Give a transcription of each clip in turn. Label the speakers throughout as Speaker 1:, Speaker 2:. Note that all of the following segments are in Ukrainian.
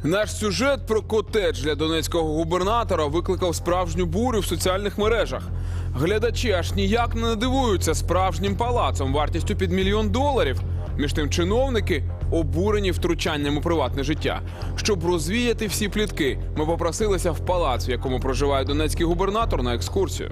Speaker 1: Наш сюжет про котедж для донецького губернатора викликав справжню бурю в соціальних мережах. Глядачі аж ніяк не надивуються справжнім палацом вартістю під $1 мільйон. Між тим чиновники обурені втручанням у приватне життя. Щоб розвіяти всі плітки, ми попросилися в палац, в якому проживає донецький губернатор, на екскурсію.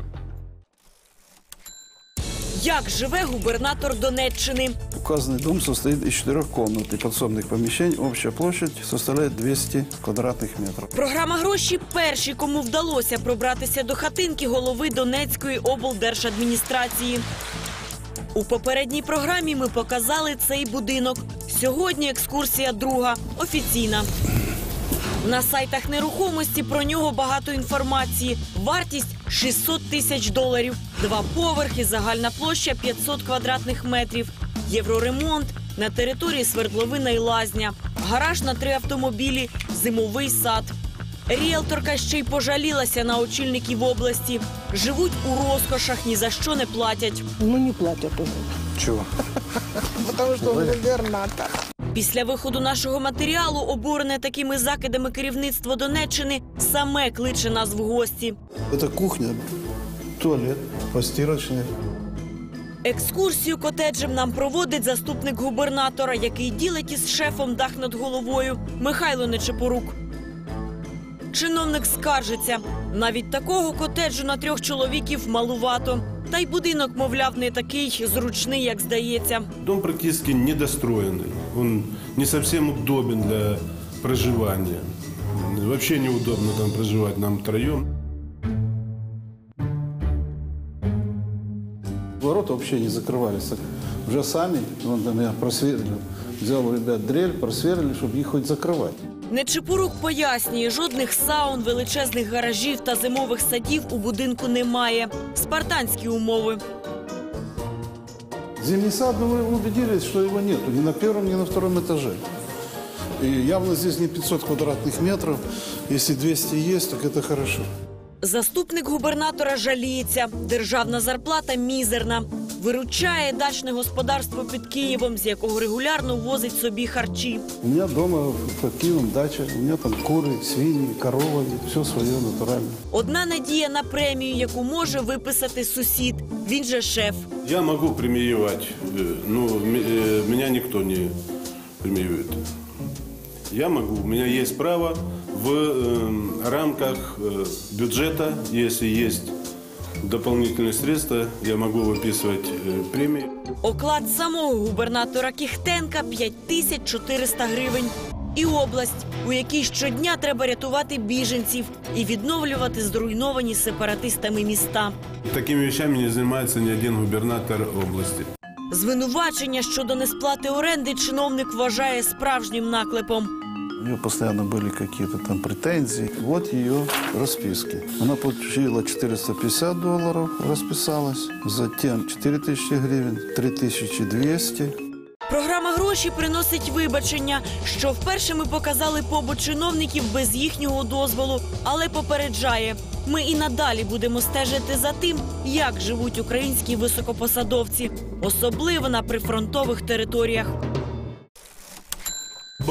Speaker 2: Як живе губернатор Донеччини?
Speaker 3: Указанный дом состоит из 4 комнат и подсобных помещений. Общая площадь составляет 200 квадратных метров.
Speaker 2: Програма «Гроші» – перші, кому вдалося пробратися до хатинки голови Донецької облдержадміністрації. У попередній програмі ми показали цей будинок. Сьогодні екскурсія друга, офіційна. На сайтах нерухомості про нього багато інформації. Вартість – $600 тисяч. 2 поверхи, загальна площа – 500 квадратних метрів. Євроремонт, на території свердловина і лазня. Гараж на 3 автомобілі, зимовий сад. Ріелторка ще й пожалілася на очільників області. Живуть у розкошах, ні за що не платять.
Speaker 4: Ну, не платят уже.
Speaker 3: Чего?
Speaker 4: Потому что он губернатор.
Speaker 2: Після виходу нашого матеріалу, обурене такими закидами керівництво Донеччини, саме кличе нас в гості.
Speaker 3: Это кухня, туалет, постирочная.
Speaker 2: Екскурсію котеджем нам проводить заступник губернатора, який ділить із шефом дах над головою, Михайло Нечепорук. Чиновник скаржиться. Навіть такого котеджу на 3 чоловіків малувато. Та й будинок, мовляв, не такий зручний, як здається.
Speaker 5: Дом практически недостроенный. Он не совсем удобен для проживания. Вообще неудобно там проживать нам втроем.
Speaker 3: Ворота вообще не закрывались. Уже сами, вон там я просверлил, взял у ребят дрель, просверлили, чтобы их хоть закрывать.
Speaker 2: Нечепорук пояснює, жодних саун, величезних гаражів та зимових садів у будинку немає. Спартанські умови.
Speaker 3: Зимний сад, ну, вы убедились, что его нету ни на 1-м, ни на 2-м этаже. И явно здесь не 500 квадратных метров. Если 200 есть, так это хорошо.
Speaker 2: Заступник губернатора жаліється. Державна зарплата мізерна. Виручає дачне господарство під Києвом, з якого регулярно возить собі харчі.
Speaker 3: У меня дома под Киевом дача, у меня там куры, свиньи, коровы, все свое натурально.
Speaker 2: Одна надія на премію, яку може виписати сусід. Він же шеф.
Speaker 5: Я могу премиевать, но меня никто не премирует. Я могу, у меня есть право в рамках бюджета, если есть дополнительные средства, я могу выписывать премии.
Speaker 2: Оклад самого губернатора Кіхтенка – 5400 гривень. І область, у якій щодня треба рятувати біженців і відновлювати зруйновані сепаратистами міста.
Speaker 5: Такими вещами не занимается ни один губернатор области.
Speaker 2: Звинувачення щодо несплати оренди чиновник вважає справжнім наклепом.
Speaker 3: У нее постоянно были какие-то там претензии. Вот ее расписки. Она получила $450, расписалась. Затем 4000 гривен, 3200.
Speaker 2: Програма «Гроші» приносить вибачення, що вперше ми показали побут чиновників без їхнього дозволу, але попереджає. Ми і надалі будемо стежити за тим, як живуть українські високопосадовці, особливо на прифронтових територіях.